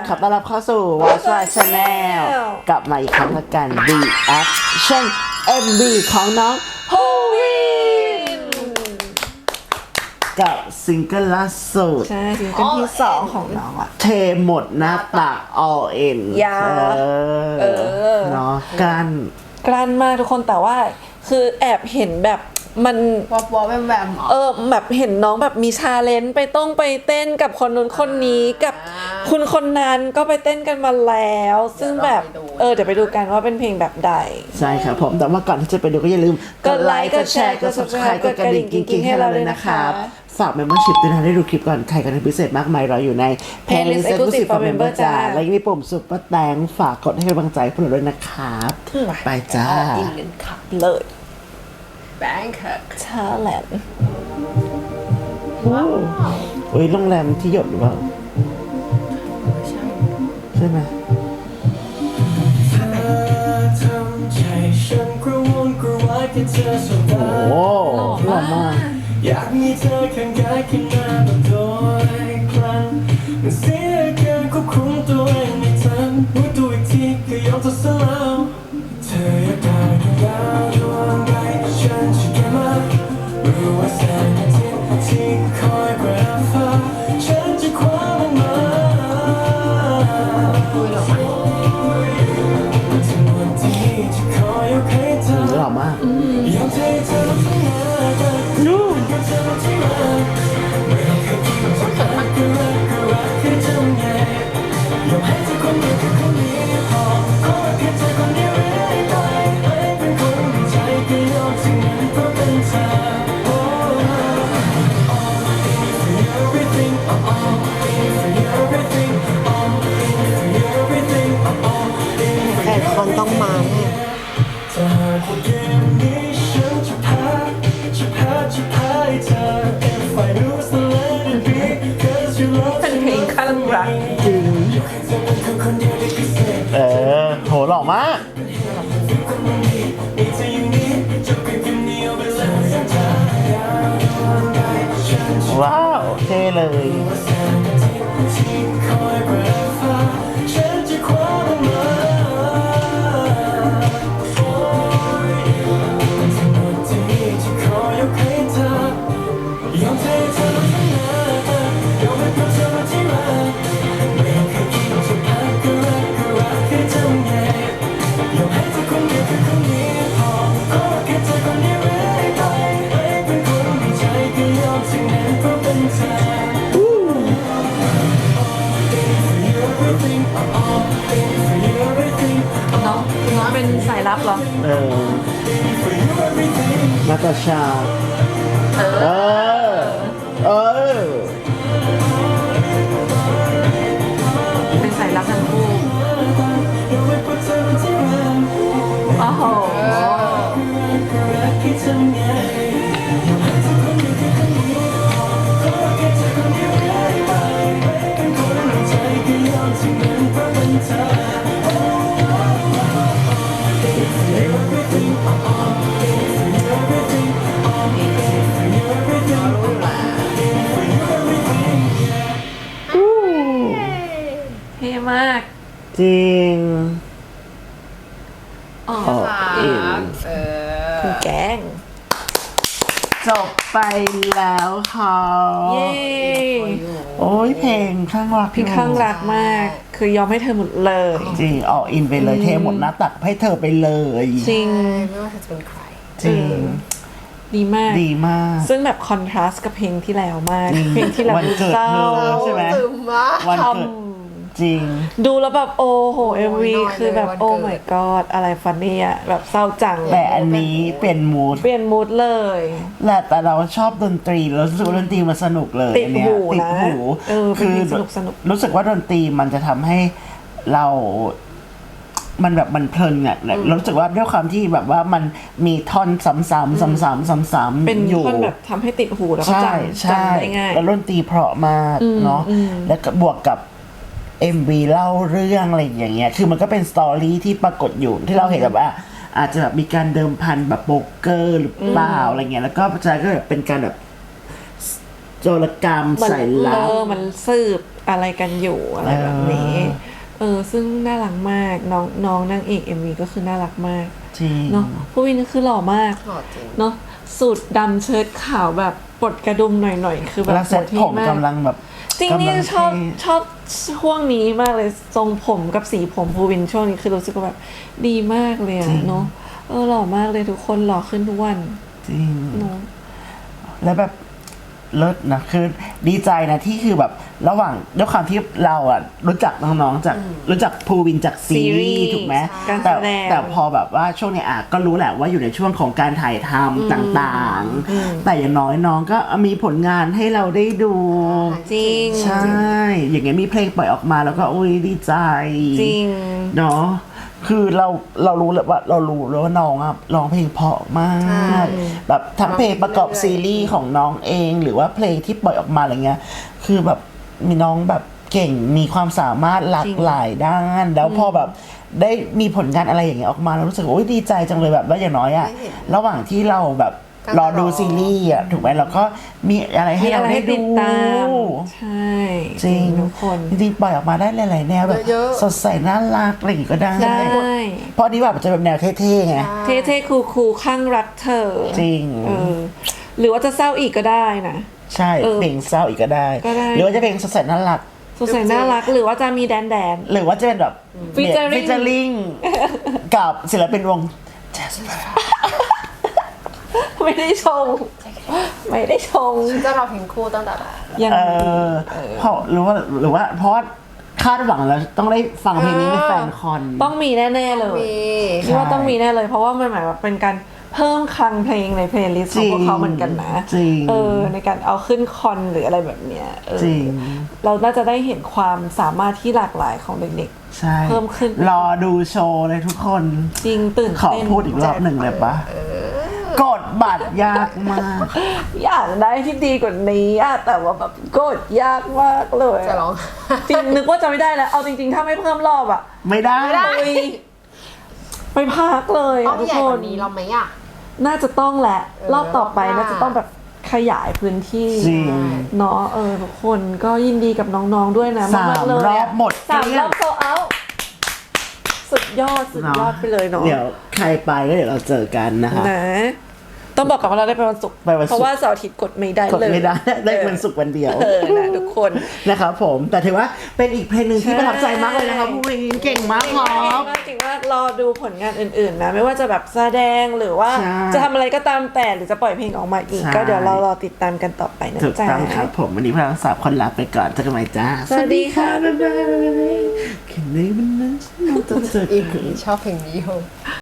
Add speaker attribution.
Speaker 1: ขอต้อนรับเข้าสู่ Watch My Channel กลับมาอีกครั้งละกัน Reaction MV ของน้องฮูวินกับซิงเกิลล่าสุด
Speaker 2: ใช่ซิงเกิลที่2ของน้องอะ
Speaker 1: เทหมดหน้าตัก all in
Speaker 2: ยา
Speaker 1: เนาะกัน
Speaker 2: กลั้นมากทุกคนแต่ว่าคือแอบเห็นแบบมัน
Speaker 3: วอลแวม
Speaker 2: แบบเห็นน้องแบบมีชาเลนจ์ไปเต้นกับคนนู้นคนนี้กับคุณคนนั้นก็ไปเต้นกันมาแล้ว ซึ่งแบบเดี๋ยวไปดูกันว่าเป็นเพลงแบบใด
Speaker 1: ใช่ครับผมแต่ว่าก่อนที่จะไปดูก็อย่าลืมกดไลค์กดแชร์กด subscribe กดกระดิ่งกิ๊งๆให้เราเลยนะครับฝาก membership ด้วยนะได้ดูคลิปก่อนใครกันพิเศษมากมายเราอยู่ใน playlist exclusive for member จ้าและยังมีปุ่ม super thanks ฝากกดให้กำลังใจพวกเราด้วยนะครับไปจ้า
Speaker 3: อินกันค่ะ
Speaker 2: เลย
Speaker 3: แบงค์ค่ะ
Speaker 2: ชาแลนด์
Speaker 1: โอ้ยโรงแรมที่หยดหรือเปล่า
Speaker 3: ใช่
Speaker 1: ใช่ไหมโอ้โหหล่อมาก
Speaker 4: อยากมีเธอข้างกายขึ้นมาแบบโดยพลันมันเสียการควบคุมตัวเองไม่ทันรู้ตัวอีกทีก็ยอมทดสอบแล้วเธออยากได้ดวงดาวดวงใดฉันจะเก็บมารู้ว่าแสงอาทิตย์ที่คอยแปรฟ้าฉันจะคว้ามันมาทั้งหมดที่จะคอยยกให้เธอ
Speaker 1: หล่อมาก
Speaker 4: ยอมให้เธอทั้งหมด
Speaker 1: นู่
Speaker 3: แต่คนต้องมาแน่
Speaker 2: เป็นเพลงข้างรัก
Speaker 1: จริงโหหล่อมากว้าวเท่เลย
Speaker 2: น้องเป็นสายลับเหรอ
Speaker 1: นาตาชา
Speaker 2: เป็นสายลับทั้งคู่โอ้โหเท่มาก
Speaker 1: จริง
Speaker 3: อิน
Speaker 2: คุณแกง
Speaker 1: จบไปแล้วค่ะ
Speaker 2: เย้
Speaker 1: โอ้ยเพลงข้างรัก
Speaker 2: พี่ข้างรักมากคือยอมให้เธอหมดเลย
Speaker 1: จริงออกอินไปเลยเทหมดหน้าตักให้เธอไปเลย
Speaker 2: จริง
Speaker 3: ไม่ว่าเธอจะเป็นใคร
Speaker 1: จริง
Speaker 2: ดีมาก
Speaker 1: ดีมาก
Speaker 2: ซึ่งแบบคอนทราสต์กับเพลงที่แล้วมากเพลงที่แล้วเศร้า
Speaker 1: ใช่ไหมวันเกิดจริง
Speaker 2: ดูแล้วแบบโอ้โห MV คือแบบโอ้ my god อะไรฟันนี่อ่ะแบบเศร้าจัง
Speaker 1: แต่อันนี้เปลี่ยนมูด
Speaker 2: เลย
Speaker 1: แต่เราชอบดนตรีแล้วรู้สึกว่าดนตรีมันสนุกเลย
Speaker 2: ติดหูนะ
Speaker 1: คือ
Speaker 2: สนุก
Speaker 1: รู้สึกว่าดนตรีมันจะทำให้เรามันแบบมันเพลินอ่ะรู้สึกว่าด้วยความที่แบบว่ามันมีท่อนซ้ำๆ
Speaker 2: เป็นท่อนแบบทำให้ติดหูแล้วก็จำได้ง่าย
Speaker 1: แล้วดนตรีเพราะมากเนาะแล้วก็บวกกับ MV เล่าเรื่องอะไรอย่างเงี้ยคือมันก็เป็นสตอรี่ที่ปรากฏอยู่ที่เราเห็นแบบว่า อาจจะแบบมีการเดิมพันแบบโป๊กเกอร์หรือเปล่าอะไรเงี้ยแล้วก็จะก็แบบเป็นการแบบโจรกรรมใส่ลับ
Speaker 2: มันสืบอะไรกันอยู่อะไรแบบนี้ซึ่งน่ารักมากน้องนางเอก MV ก็คือน่ารักมาก
Speaker 1: จริง
Speaker 2: เนาะผู้วินคือหล่อมาก
Speaker 3: หล่อจริง
Speaker 2: เนาะสูทดำเชิ้ตขาวแบบปลดกระดุมหน่อยๆคือแบบ
Speaker 1: แล้วเซ็ตผม
Speaker 2: โหดเท่
Speaker 1: กำลังแบบ
Speaker 2: จริงนี่
Speaker 1: กำลั
Speaker 2: ชอบ
Speaker 1: เท่
Speaker 2: ชอบช่วงนี้มากเลยทรงผมกับสีผมภูวินช่วงนี้คือรู้สึกว่าแบบดีมากเลยอะเนาะหล่อมากเลยทุกคนหล่อขึ้นทุกวัน
Speaker 1: จริง
Speaker 2: เนาะ
Speaker 1: แล้วแบบเลิศนะคือดีใจนะที่คือแบบระหว่างด้วยความที่เราอ่ะรู้จักน้องๆจากรู้จักภูวินจากซีรีส์ถูกไหม
Speaker 2: การแส
Speaker 1: แต่
Speaker 2: ดง
Speaker 1: แต่พอแบบว่าช่วงนี้ก็รู้แหละว่าอยู่ในช่วงของการถ่ายทำต่างๆ แต่อย่างน้อยน้องก็มีผลงานให้เราได้ดู
Speaker 2: จริง
Speaker 1: ใช่ อย่างเงี้ยมีเพลงปล่อยออกมาแล้วก็อุ้ยดีใจ
Speaker 2: จริง
Speaker 1: เนาะคือเรารู้เลยว่าเรารู้แล้วว่าน้องอะร้องเพลงเพราะมาก แบบทั้งเพลงประกอบซีรีส์ของน้องเอง หรือว่าเพลงที่ปล่อยออกมาอะไรเงี้ยคือแบบมีน้องแบบเก่งมีความสามารถหลากหลายด้าน แล้วพอแบบได้มีผลงานอะไรอย่างเงี้ยออกมาเรารู้สึกว่าโอ๊ยดีใจจังเลยแบบว่าอย่างน้อยอะระหว่างที่เราแบบรอดูซีรีส์อะถูกไหมเราก็มีอะไรให้เราได้ดู
Speaker 2: ติดตามใช่
Speaker 1: จริง
Speaker 2: ทุกคน
Speaker 1: จริงๆปล่อยออกมาได้หลายๆแนวแบบ
Speaker 3: เยอะๆ
Speaker 1: สดใสน่ารักอะไรอย่างงี้ก็ได้
Speaker 2: ได้
Speaker 1: เพราะอันนี้แบบจะแบบแนวเท่ๆไง
Speaker 2: เท่ๆคูลๆข้างรักเธอ
Speaker 1: จริง
Speaker 2: หรือว่าจะเศร้าอีกก็ได้นะ
Speaker 1: ใช่เพลงเศร้าอีกก็ได้
Speaker 2: ก็ได้
Speaker 1: หรือว่าจะเพลงสดใสน่ารัก
Speaker 2: สดใสน่ารักหรือว่าจะมีแดน
Speaker 1: หรือว่าจะเป็นแบบ
Speaker 2: Featuring
Speaker 1: ฟิชเจอริงกับศิลปินวง Jasper
Speaker 2: ไม่ได้ชง ไม่ได้ชง
Speaker 3: จะรอเพลงคู่ตั้งแต่แบบ
Speaker 2: ยัง
Speaker 1: เพราะหรือว่าเพราะว่าคาดหวังแล้วต้องได้ฟังเพลงนี้ในแฟนคอน
Speaker 2: ต้องมีแน่ๆเลย
Speaker 3: มี
Speaker 2: คิดว่าต้องมีแน่เลย เพราะว่ามันหมายว่าเป็นการเพิ่มคลังเพลงในเพลย์ลิสต์ของพวกเขาเหมือนกันนะ
Speaker 1: จริง
Speaker 2: ในการเอาขึ้นคอนหรืออะไรแบบเนี้ย
Speaker 1: จริง
Speaker 2: เราน่าจะได้เห็นความสามารถที่หลากหลายของเด็ก
Speaker 1: ใช่
Speaker 2: เพิ่มขึ้น
Speaker 1: รอดูโชว์เลยทุกคน
Speaker 2: ๆ จริงตื่น
Speaker 1: ขอ
Speaker 2: เต้น
Speaker 1: พูดอีกรอบหนึ่งเลยปะกดบัตรยากมาก
Speaker 2: อยากได้ที่ดีกว่านี้อะแต่ว่าแบบกดยากมากเลย
Speaker 3: จะร้อง
Speaker 2: จริงนึกว่าจะไม่ได้แล้วเอาจริงๆ ถ้าไม่เพิ่มรอบอะ
Speaker 1: ไม่ได้
Speaker 2: อุ๊ยไปพักเลย
Speaker 3: ต้อ
Speaker 2: อะ
Speaker 3: ง
Speaker 2: ทุก
Speaker 3: ใหญ่
Speaker 2: ค
Speaker 3: ก
Speaker 2: น
Speaker 3: ว่านี้เราไหมอ่ะ
Speaker 2: น่าจะต้องแหละ รอบต่อไป
Speaker 3: รอบหน้า
Speaker 2: น่าจะต้องแบบขยายพื้นที่
Speaker 1: จริง
Speaker 2: เนาะทุกคนก็ยินดีกับน้องๆด้วยนะ
Speaker 1: สาม
Speaker 2: ากๆเลย
Speaker 1: รอบหมด
Speaker 2: สาม
Speaker 1: เกลี้
Speaker 2: ร
Speaker 1: ยง
Speaker 2: อบโซเอาสุดยอดไปเลยเนาะ
Speaker 1: เดี๋ยวใครไปก็เดี๋ยวเราเจอกันนะคะ
Speaker 2: นะต้องบอกก่อนว่าเราได้ไปวันศุกร์
Speaker 1: ไปวันศุกร์
Speaker 2: เพราะว่าเสาร์อาทิตย์กดไม่ได้
Speaker 1: กด
Speaker 2: เลย
Speaker 1: ไม่ได้ได้วันศุกร์วันเดียว
Speaker 2: นะทุกคน
Speaker 1: นะครับผมแต่ถือว่าเป็นอีกเพลงหนึ่งที่ประทับใจมากเลยนะครับผู้วินเก่งมากครับ
Speaker 2: จริงว่ารอดูผลงานอื่นๆนะไม่ว่าจะแบบแสดงหรือว่า
Speaker 1: ใช่
Speaker 2: จะทำอะไรก็ตามแต่หรือจะปล่อยเพลงออกมาอีก
Speaker 1: ใช่
Speaker 2: ก็เดี๋ยวเรารอติดตามกันต่อไปนะ
Speaker 1: ถูก
Speaker 2: จ๊ะ
Speaker 1: ต้องครับผมวันนี้พวกเราทั้งสามคนลาไปก่อนเจอกันใหม่จ้า
Speaker 2: สวัสดีค่ะ
Speaker 1: บ๊ายบายแค่ในวันนั้นฉันต้องเจอ
Speaker 3: อี
Speaker 1: กัน
Speaker 3: ชอบเพลงนี้โย